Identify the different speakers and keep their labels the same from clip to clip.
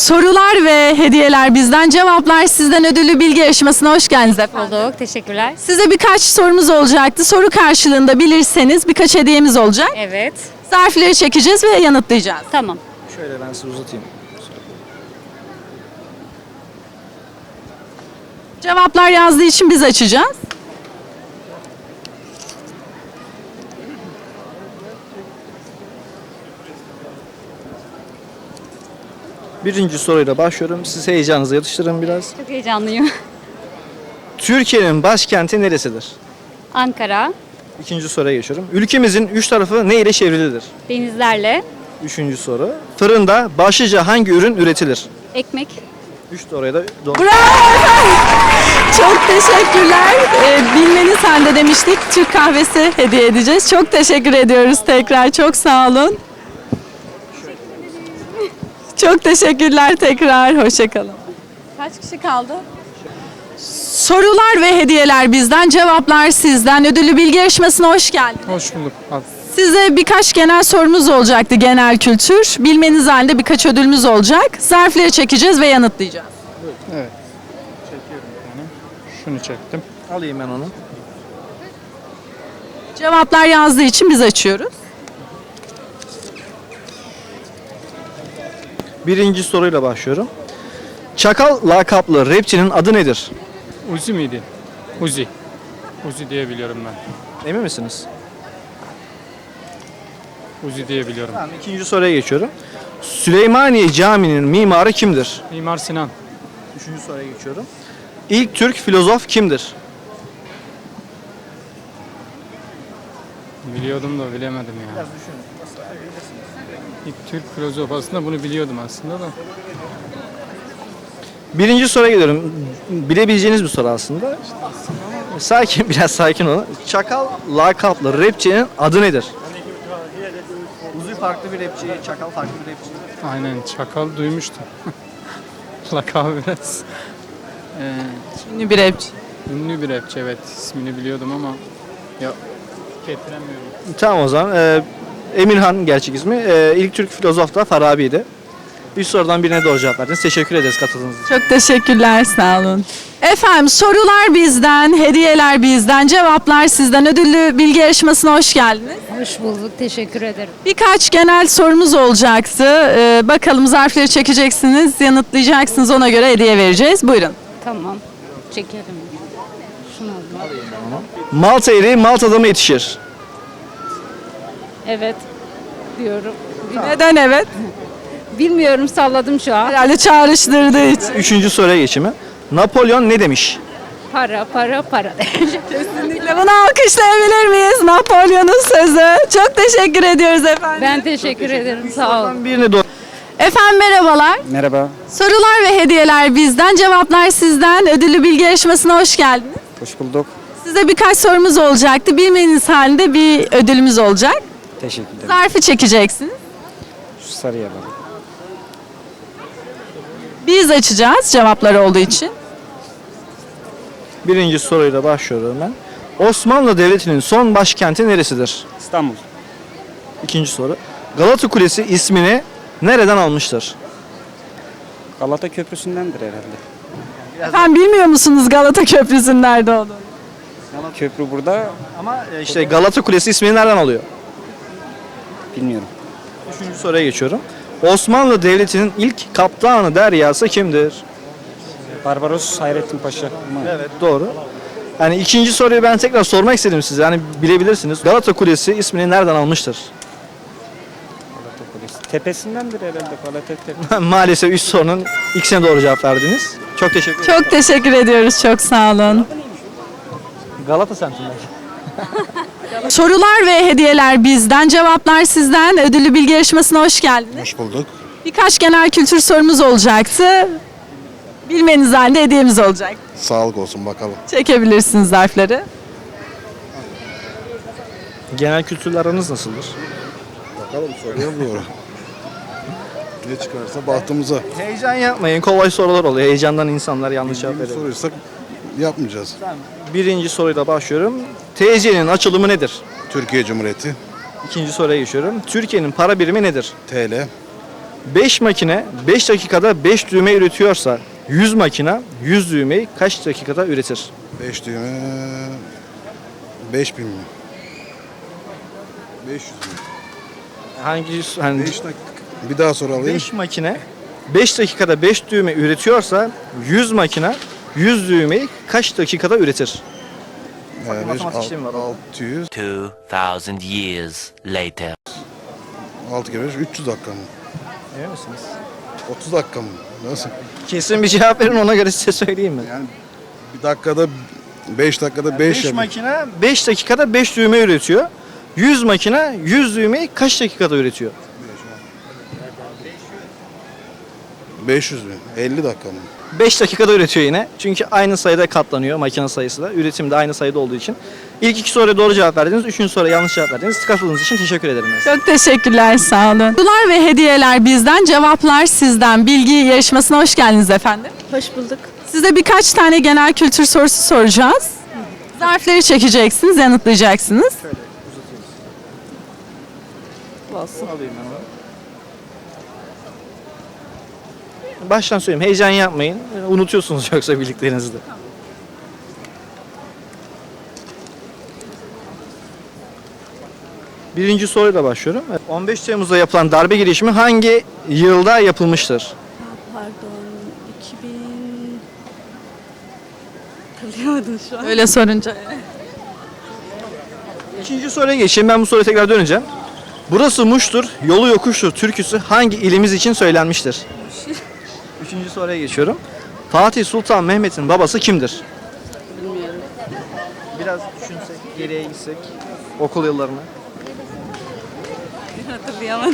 Speaker 1: Sorular ve hediyeler bizden, cevaplar sizden ödüllü bilgi yarışmasına hoş geldiniz efendim.
Speaker 2: Olduk. Teşekkürler.
Speaker 1: Size birkaç sorumuz olacaktı. Soru karşılığında bilirseniz birkaç hediyemiz olacak.
Speaker 2: Evet.
Speaker 1: Zarfları çekeceğiz ve yanıtlayacağız.
Speaker 2: Tamam.
Speaker 3: Şöyle ben size uzatayım.
Speaker 1: Cevaplar yazdığı için biz açacağız.
Speaker 3: Birinci soruyla başlıyorum. Siz heyecanınızı yatıştırın biraz.
Speaker 2: Çok heyecanlıyım.
Speaker 3: Türkiye'nin başkenti neresidir?
Speaker 2: Ankara,
Speaker 3: İkinci soruya geçiyorum. Ülkemizin üç tarafı ne ile çevrilidir?
Speaker 2: denizlerle,
Speaker 3: Üçüncü soru. Fırında başlıca hangi ürün üretilir?
Speaker 2: ekmek.
Speaker 3: Üç soruya da doğru.
Speaker 1: Bravo efendim. Çok teşekkürler. Bilmeniz halde demiştik. Türk kahvesi hediye edeceğiz. Çok teşekkür ediyoruz tekrar. Çok sağ olun. Çok teşekkürler tekrar. Hoşçakalın. Kaç kişi kaldı? Sorular ve hediyeler bizden, cevaplar sizden. Ödüllü bilgi yarışmasına hoş geldiniz.
Speaker 4: Hoş bulduk. Al.
Speaker 1: Size birkaç genel sorumuz olacaktı, genel kültür. Bilmeniz halinde birkaç ödülümüz olacak. Zarfları çekeceğiz ve yanıtlayacağız.
Speaker 4: Evet. Çekiyorum bir tane. Şunu çektim.
Speaker 3: Alayım ben onu.
Speaker 1: Cevaplar yazdığı için biz açıyoruz.
Speaker 3: Birinci soruyla başlıyorum. Çakal lakaplı rapçinin adı nedir?
Speaker 4: Uzi miydi? Uzi. Uzi diye biliyorum ben.
Speaker 3: Emin misiniz?
Speaker 4: Uzi diye biliyorum.
Speaker 3: Tamam, ikinci soruya geçiyorum. Süleymaniye Camii'nin mimarı kimdir?
Speaker 4: Mimar Sinan.
Speaker 3: Üçüncü soruya geçiyorum. İlk Türk filozof kimdir?
Speaker 4: Biliyordum da bilemedim ya. İlk Türk filozof, aslında bunu biliyordum aslında da.
Speaker 3: Birinci soruya geliyorum. Bilebileceğiniz bir soru aslında. Sakin, biraz sakin olun. Çakal lakaplı rapçinin adı nedir? Uzun farklı bir rapçi, Çakal farklı bir rapçi.
Speaker 4: Aynen, Çakal duymuştum. Lakabı biraz.
Speaker 1: Ünlü bir rapçi.
Speaker 4: Ünlü bir rapçi, evet. İsmini biliyordum ama ya getiremiyorum.
Speaker 3: Tamam o zaman. Emirhan gerçek ismi. İlk Türk filozof da Farabi'ydi. Üç sorudan birine doğru cevap verdiniz. Teşekkür ederiz katıldığınız için.
Speaker 1: Çok teşekkürler, sağ olun. Efendim, sorular bizden, hediyeler bizden, cevaplar sizden. Ödüllü bilgi yarışmasına hoş geldiniz.
Speaker 2: Hoş bulduk. Teşekkür ederim.
Speaker 1: Birkaç genel sorumuz olacaktı. Bakalım zarfları çekeceksiniz, yanıtlayacaksınız. Ona göre hediye vereceğiz. Buyurun.
Speaker 2: Tamam. Çekelim. Şunu alayım.
Speaker 3: Malta eriği Malta'da mı yetişir?
Speaker 2: Evet. Diyorum.
Speaker 1: Neden evet?
Speaker 2: Bilmiyorum, salladım şu an.
Speaker 1: Herhalde çağrıştırdığı için.
Speaker 3: Üçüncü soruya geçimi. Napolyon ne demiş?
Speaker 2: Para, para, para.
Speaker 1: Kesinlikle bunu alkışlayabilir miyiz? Napolyon'un sözü. Çok teşekkür ediyoruz efendim.
Speaker 2: Ben teşekkür ederim. Sağ olun.
Speaker 3: Birine doğru.
Speaker 1: Efendim merhabalar.
Speaker 5: Merhaba,
Speaker 1: Sorular ve hediyeler bizden, cevaplar sizden. Ödüllü bilgi yarışmasına hoş geldiniz.
Speaker 5: hoş bulduk.
Speaker 1: Size birkaç sorumuz olacaktı. Bilmeniz halinde bir ödülümüz olacak.
Speaker 5: Teşekkür ederim.
Speaker 1: Zarfı çekeceksiniz.
Speaker 5: Şu sarıya bakın.
Speaker 1: Biz açacağız cevaplar olduğu için.
Speaker 3: Birinci soruyla başlıyorum ben. Osmanlı Devleti'nin son başkenti neresidir?
Speaker 5: İstanbul.
Speaker 3: İkinci soru. Galata Kulesi ismini nereden almıştır?
Speaker 5: Galata Köprüsü'ndendir herhalde.
Speaker 1: Efendim bilmiyor musunuz Galata Köprüsü'nün nerede olduğunu?
Speaker 5: Köprü burada,
Speaker 3: Ama işte Galata Kulesi ismini nereden alıyor?
Speaker 5: bilmiyorum.
Speaker 3: Üçüncü soruya geçiyorum. Osmanlı Devleti'nin ilk kaptanı deryası kimdir?
Speaker 5: Barbaros Hayrettin Paşa. Ama
Speaker 3: Evet doğru. Yani ikinci soruyu ben tekrar sormak istedim size. Yani bilebilirsiniz. Galata Kulesi ismini nereden almıştır?
Speaker 5: Galata Kulesi. Tepesindendir herhalde Galata Tepe.
Speaker 3: Maalesef üç sorunun ikisine doğru cevap verdiniz. Çok teşekkür ederim.
Speaker 1: Çok teşekkür ediyoruz. Çok sağ olun.
Speaker 3: Galata semtinde.
Speaker 1: Sorular ve hediyeler bizden, cevaplar sizden. Ödüllü bilgi yarışmasına hoş geldiniz.
Speaker 6: Hoş bulduk.
Speaker 1: Birkaç genel kültür sorumuz olacaktı. Bilmeniz halinde hediyemiz olacak.
Speaker 6: Sağlık olsun bakalım.
Speaker 1: Çekebilirsiniz zarfları.
Speaker 3: Genel kültürle aranız nasıldır?
Speaker 6: Bakalım soruyorum. Ne çıkarsa bahtımıza.
Speaker 3: Heyecan yapmayın. Kolay sorular oluyor. Heyecandan insanlar yanlış cevap
Speaker 6: Bildiğimiz
Speaker 3: veriyor.
Speaker 6: soruyorsak yapmayacağız.
Speaker 3: Birinci soruyla başlıyorum. TC'nin açılımı nedir?
Speaker 6: Türkiye Cumhuriyeti,
Speaker 3: İkinci soruya geçiyorum. Türkiye'nin para birimi nedir?
Speaker 6: TL,
Speaker 3: 5 makine 5 dakikada 5 düğme üretiyorsa 100 makine 100 düğmeyi kaç dakikada üretir?
Speaker 6: 5 düğme 5000 mi? 500 mi?
Speaker 3: Hangi hani
Speaker 6: 5 dakika. Bir daha soru alayım.
Speaker 3: 5 makine 5 dakikada 5 düğme üretiyorsa 100 makine 100 düğmeyi kaç dakikada üretir?
Speaker 6: Beş,
Speaker 3: matematik işlemi var.
Speaker 6: 600.
Speaker 7: 2,000 years later.
Speaker 6: 6 kere 5, 300 dakika mı?
Speaker 3: Emin misiniz?
Speaker 6: 30 dakika mı? Nasıl?
Speaker 3: Kesin bir cevap verin, ona göre size söyleyeyim mi?
Speaker 6: Yani bir dakikada 5 dakikada 5
Speaker 3: 5 makine 5 dakikada 5 düğme üretiyor. 100 makine 100 düğmeyi kaç dakikada üretiyor?
Speaker 6: 500 mü? 50 dakika mı?
Speaker 3: 5 dakikada üretiyor yine. Çünkü aynı sayıda katlanıyor makine sayısı da. Üretim de aynı sayıda olduğu için. İlk iki soruya doğru cevap verdiniz. Üçüncü soruya yanlış cevap verdiniz. Katıldığınız için teşekkür ederim.
Speaker 1: Çok teşekkürler, sağ olun. Sorular ve hediyeler bizden, cevaplar sizden. Bilgi yarışmasına hoş geldiniz efendim.
Speaker 8: Hoş bulduk.
Speaker 1: Size birkaç tane genel kültür sorusu soracağız. Zarfları çekeceksiniz, yanıtlayacaksınız.
Speaker 3: Baştan söyleyeyim. Heyecan yapmayın. Unutuyorsunuz yoksa birliklerinizde. Birinci soruyla başlıyorum. 15 Temmuz'da yapılan darbe girişimi hangi yılda yapılmıştır?
Speaker 8: Pardon, 2000... Hatırlayamadım şu an.
Speaker 1: Öyle sorunca.
Speaker 3: İkinci soruya geçeyim. Ben bu soruya tekrar döneceğim. Burası Muş'tur, yolu yokuştur türküsü hangi ilimiz için söylenmiştir? Üçüncü soruya geçiyorum. Fatih Sultan Mehmet'in babası kimdir?
Speaker 8: Bilmiyorum.
Speaker 3: Biraz düşünsek, geriye gitsek okul yıllarına.
Speaker 8: Hatırlayamadım.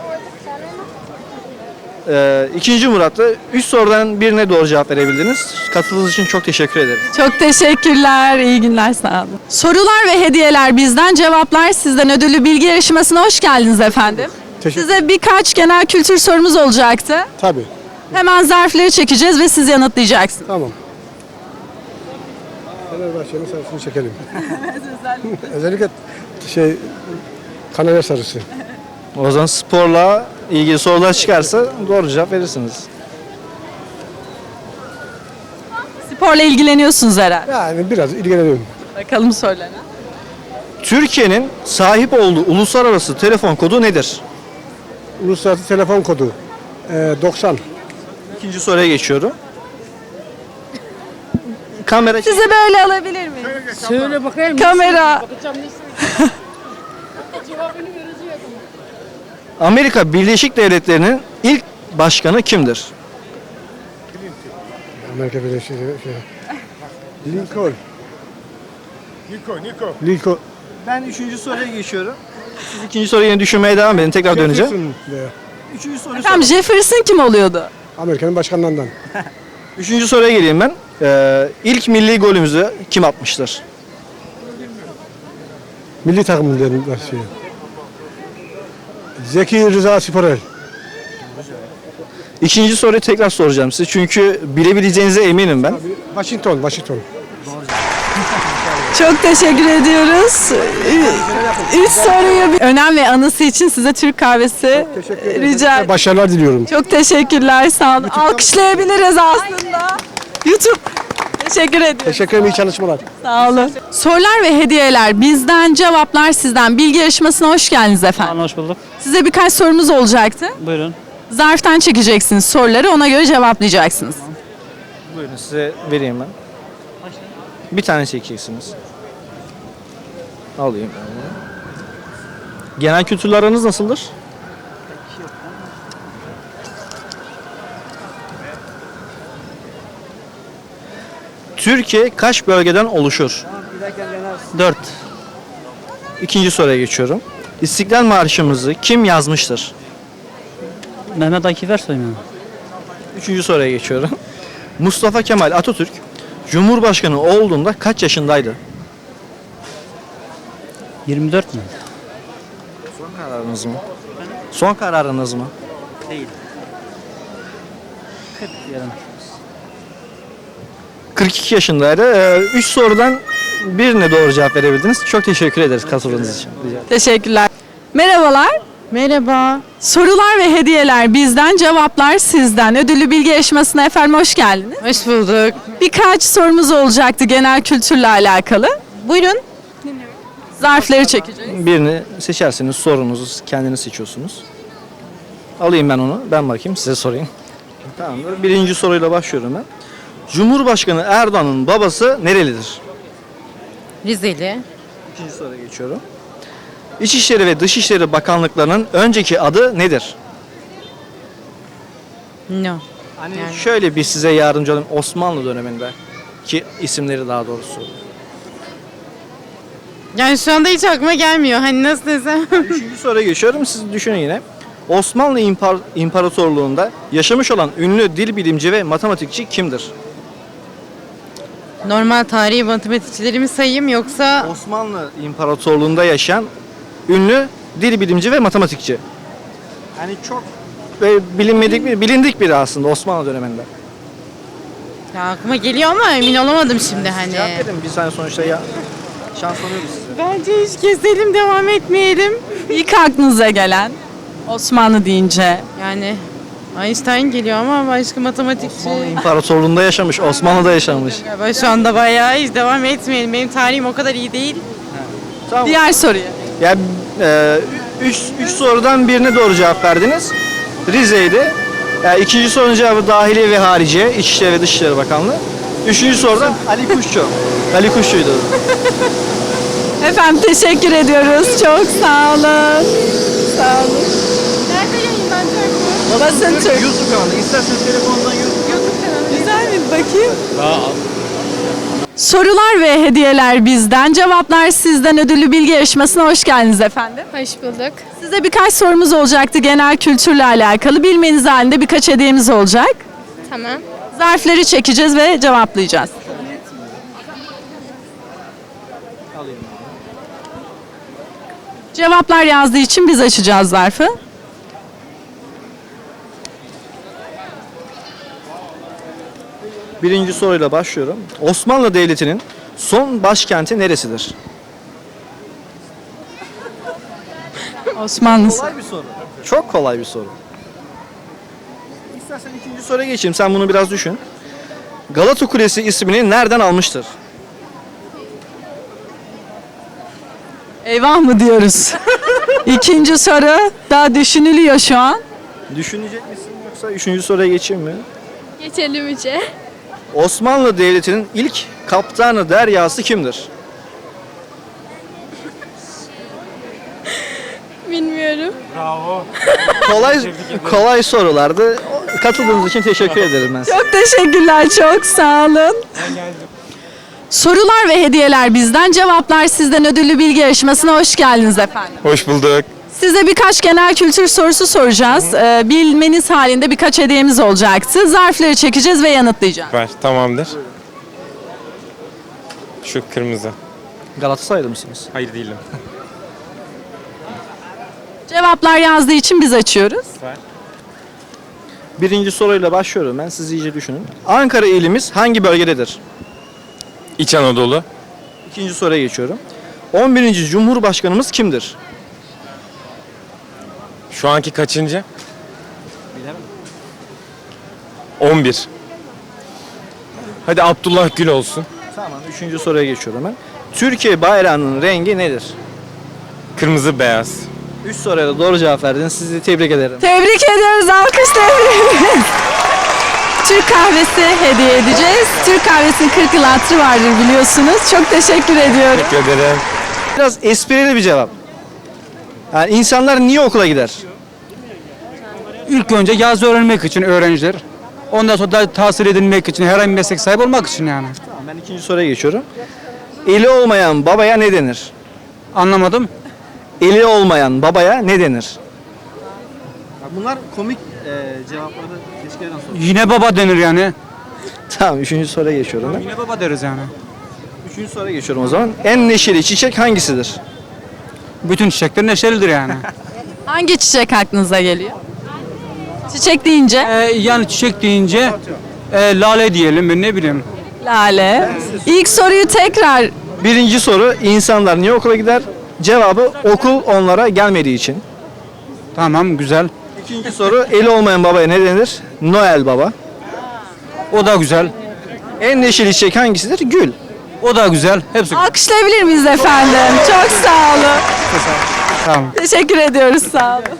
Speaker 3: İkinci Murat'ta 3 sorudan birine doğru cevap verebildiniz. Katıldığınız için çok teşekkür ederim.
Speaker 1: Çok teşekkürler, iyi günler, sağ olun. Sorular ve hediyeler bizden, cevaplar sizden ödüllü bilgi yarışmasına hoş geldiniz efendim. Size birkaç genel kültür sorumuz olacaktı.
Speaker 9: Tabii.
Speaker 1: Hemen zarfları çekeceğiz ve siz yanıtlayacaksınız.
Speaker 9: Tamam. Fenerbahçe'nin sarısını çekelim. Özellikle Kanarya sarısı.
Speaker 3: O zaman sporla ilgili sorular çıkarsa doğru cevap verirsiniz.
Speaker 1: Sporla ilgileniyorsunuz herhalde.
Speaker 9: Yani biraz ilgileniyorum.
Speaker 1: Bakalım sorulara.
Speaker 3: Türkiye'nin sahip olduğu uluslararası telefon kodu nedir?
Speaker 9: Uluslararası telefon kodu 90.
Speaker 3: İkinci soruya geçiyorum. Kamera
Speaker 1: Sizi böyle alabilir miyim?
Speaker 2: Söyle bakayım.
Speaker 1: Kamera.
Speaker 3: Amerika Birleşik Devletleri'nin ilk başkanı
Speaker 9: Amerika Birleşik Lincoln. Lincoln.
Speaker 3: Ben üçüncü soruya geçiyorum. Siz ikinci soruyu yine düşünmeye devam edin. Tekrar döneceğim.
Speaker 9: Jefferson veya
Speaker 3: Üçüncü soruyu
Speaker 1: Efendim Jefferson kim oluyordu?
Speaker 9: Amerika'nın başkanlarından.
Speaker 3: Üçüncü soruya geleyim ben. İlk milli golümüzü kim atmıştır?
Speaker 9: Milli takımın şey. Zeki Rıza Sporel.
Speaker 3: İkinci soruyu tekrar soracağım size. Çünkü bilebileceğinize eminim ben.
Speaker 9: Washington.
Speaker 1: Çok teşekkür ediyoruz. Üç soruyu önem ve anısı için size Türk kahvesi rica ederim.
Speaker 9: Başarılar diliyorum.
Speaker 1: Çok teşekkürler, sağ olun. Alkışlayabiliriz aslında. YouTube. Teşekkür ediyorum.
Speaker 9: Teşekkür ederim, iyi çalışmalar.
Speaker 1: Sağ olun. Sorular ve hediyeler bizden, cevaplar sizden. Bilgi yarışmasına hoş geldiniz efendim.
Speaker 10: Hoş bulduk.
Speaker 1: Size birkaç sorumuz olacaktı.
Speaker 10: Buyurun.
Speaker 1: Zarftan çekeceksiniz soruları, ona göre cevaplayacaksınız.
Speaker 3: Buyurun size vereyim ben. Bir tane çekeceksiniz. Alayım. Genel kültürle aranız nasıldır? Türkiye kaç bölgeden oluşur? 4. İkinci soruya geçiyorum. İstiklal Marşımızı kim yazmıştır?
Speaker 10: Mehmet Akif Ersoy mu?
Speaker 3: Üçüncü soruya geçiyorum. Mustafa Kemal Atatürk Cumhurbaşkanı olduğunda kaç yaşındaydı?
Speaker 10: 24 mü?
Speaker 3: Son kararınız mı? Son kararınız mı?
Speaker 10: Değil. 40 diyelim.
Speaker 3: 42 yaşındaydı. 3 sorudan birine doğru cevap verebildiniz. Çok teşekkür ederiz katıldığınız için. Rica ederim.
Speaker 1: Teşekkürler. Merhabalar. Merhaba. Sorular ve hediyeler bizden, cevaplar sizden. Ödüllü bilgi yarışmasına efendim hoş geldiniz.
Speaker 8: Hoş bulduk.
Speaker 1: Birkaç sorumuz olacaktı genel kültürle alakalı.
Speaker 8: Buyurun.
Speaker 1: Zarfları çekeceğiz.
Speaker 3: Birini seçerseniz sorunuzu kendiniz seçiyorsunuz. Alayım ben onu. Ben bakayım size sorayım. Tamamdır. Birinci soruyla başlıyorum ben. Cumhurbaşkanı Erdoğan'ın babası nerelidir?
Speaker 8: Rizeli.
Speaker 3: İkinci soruya geçiyorum. İçişleri ve Dışişleri Bakanlıklarının önceki adı nedir?
Speaker 8: No.
Speaker 3: Hani şöyle bir size yardımcı olayım. Osmanlı döneminde ki isimleri daha doğrusu.
Speaker 8: Yani şu anda hiç aklıma gelmiyor. Hani nasıl desem.
Speaker 3: Üçüncü soruya geçiyorum. Siz düşünün yine. Osmanlı İmparatorluğu'nda yaşamış olan ünlü dil bilimci ve matematikçi kimdir?
Speaker 8: Normal tarihi matematikçilerimi sayayım yoksa
Speaker 3: Osmanlı İmparatorluğu'nda yaşayan ünlü dil bilimci ve matematikçi. Yani çok bilindik biri aslında Osmanlı döneminde.
Speaker 8: ya aklıma geliyor ama emin olamadım şimdi hani.
Speaker 3: Cevap verin bir saniye sonuçta ya. Şans oluyoruz size.
Speaker 8: Bence hiç keselim devam etmeyelim.
Speaker 1: İlk aklınıza gelen Osmanlı deyince.
Speaker 8: Yani Einstein geliyor ama başka matematikçi.
Speaker 3: Osmanlı İmparatorluğu'nda yaşamış, Osmanlı'da yaşamış.
Speaker 8: Galiba şu anda bayağı hiç devam etmeyelim. Benim tarihim o kadar iyi değil.
Speaker 3: Tamam.
Speaker 1: Diğer soruya.
Speaker 3: Ya üç sorudan birine doğru cevap verdiniz. Rize'ydi. Yani ikinci sorunun cevabı Dahiliye ve Hariciye, İçişleri ve Dışişleri Bakanlığı. Üçüncü soruda Ali Kuşçu. Ali Kuşçu'ydu.
Speaker 1: Efendim teşekkür ediyoruz. Çok sağ olun. Sağ olun.
Speaker 8: Nerede yayınlanacak bu?
Speaker 1: Basın Türk.
Speaker 3: YouTube kanalı. İsterseniz telefondan
Speaker 1: Güzel mi? Bakayım. Sorular ve hediyeler bizden, cevaplar sizden ödüllü bilgi yarışmasına hoş geldiniz efendim.
Speaker 2: Hoş bulduk.
Speaker 1: Size birkaç sorumuz olacaktı genel kültürle alakalı. Bilmeniz halinde birkaç hediyemiz olacak.
Speaker 2: Tamam.
Speaker 1: Zarfları çekeceğiz ve cevaplayacağız. Cevaplar yazdığı için biz açacağız zarfı.
Speaker 3: Birinci soruyla başlıyorum. Osmanlı Devleti'nin son başkenti neresidir?
Speaker 1: Osmanlı.
Speaker 3: Kolay bir soru. Çok kolay bir soru. İstersen ikinci soruya geçeyim. Sen bunu biraz düşün. Galata Kulesi ismini nereden almıştır?
Speaker 1: Eyvah mı diyoruz? İkinci soru daha düşünülüyor şu an.
Speaker 3: Düşünecek misin yoksa üçüncü soruya geçeyim mi?
Speaker 2: Geçelim içe.
Speaker 3: Osmanlı Devleti'nin ilk kaptanı deryası kimdir?
Speaker 2: Bilmiyorum.
Speaker 3: Kolay sorulardı. Katıldığınız için teşekkür ederim ben size.
Speaker 1: Çok teşekkürler, çok sağ olun. Sorular ve hediyeler bizden, cevaplar sizden ödüllü bilgi yarışmasına hoş geldiniz efendim.
Speaker 11: Hoş bulduk.
Speaker 1: Size birkaç genel kültür sorusu soracağız. Bilmeniz halinde birkaç hediyemiz olacaktı. Zarfları çekeceğiz ve yanıtlayacağız.
Speaker 11: Ver, tamamdır. Şu kırmızı.
Speaker 3: Galatasaraylı mısınız?
Speaker 11: Hayır değilim.
Speaker 1: Cevaplar yazdığı için biz açıyoruz.
Speaker 3: Birinci soruyla başlıyorum ben. Siz iyice düşünün. Ankara ilimiz hangi bölgededir?
Speaker 11: İç Anadolu.
Speaker 3: İkinci soruya geçiyorum. 11. Cumhurbaşkanımız kimdir?
Speaker 11: Şu anki kaçıncı? 11. Hadi Abdullah Gül olsun.
Speaker 3: Tamam. Üçüncü soruya geçiyorum ben. Türkiye bayrağının rengi nedir?
Speaker 11: Kırmızı beyaz.
Speaker 3: 3 soruya da doğru cevap verdiniz. Sizi tebrik ederim.
Speaker 1: Tebrik ediyoruz, alkış tebrik. Türk kahvesi hediye edeceğiz. Türk kahvesinin 40 yıl hatırı vardır biliyorsunuz. Çok teşekkür ediyorum.
Speaker 11: Teşekkür ederim.
Speaker 3: Biraz esprili bir cevap. Yani insanlar niye okula gider?
Speaker 9: İlk önce yazı öğrenmek için öğrenciler. Ondan sonra da tahsil edilmek için, herhangi bir meslek sahibi olmak için yani.
Speaker 3: Tamam, ben ikinci soruya geçiyorum. Eli olmayan babaya ne denir?
Speaker 9: Anlamadım.
Speaker 3: Eli olmayan babaya ne denir? Bunlar komik cevapları keşke
Speaker 9: Yine baba denir yani.
Speaker 3: Tamam, üçüncü soruya geçiyorum ben.
Speaker 9: Yine baba deriz yani.
Speaker 3: Üçüncü soruya geçiyorum o zaman. En neşeli çiçek hangisidir?
Speaker 9: Bütün çiçekler neşelidir yani.
Speaker 1: Hangi çiçek aklınıza geliyor? Çiçek deyince
Speaker 9: Yani çiçek deyince lale diyelim, ben ne bileyim.
Speaker 1: lale. İlk soruyu tekrar
Speaker 3: Birinci soru, insanlar niye okula gider? Cevabı okul onlara gelmediği için.
Speaker 9: Tamam güzel.
Speaker 3: İkinci soru, eli olmayan babaya ne denir? Noel Baba.
Speaker 9: O da güzel.
Speaker 3: En neşeli çiçek hangisidir? Gül.
Speaker 9: O da güzel. Hepsi
Speaker 1: Alkışlayabilir miyiz efendim? Çok sağ olun.
Speaker 9: Tamam.
Speaker 1: Teşekkür ediyoruz, sağ olun.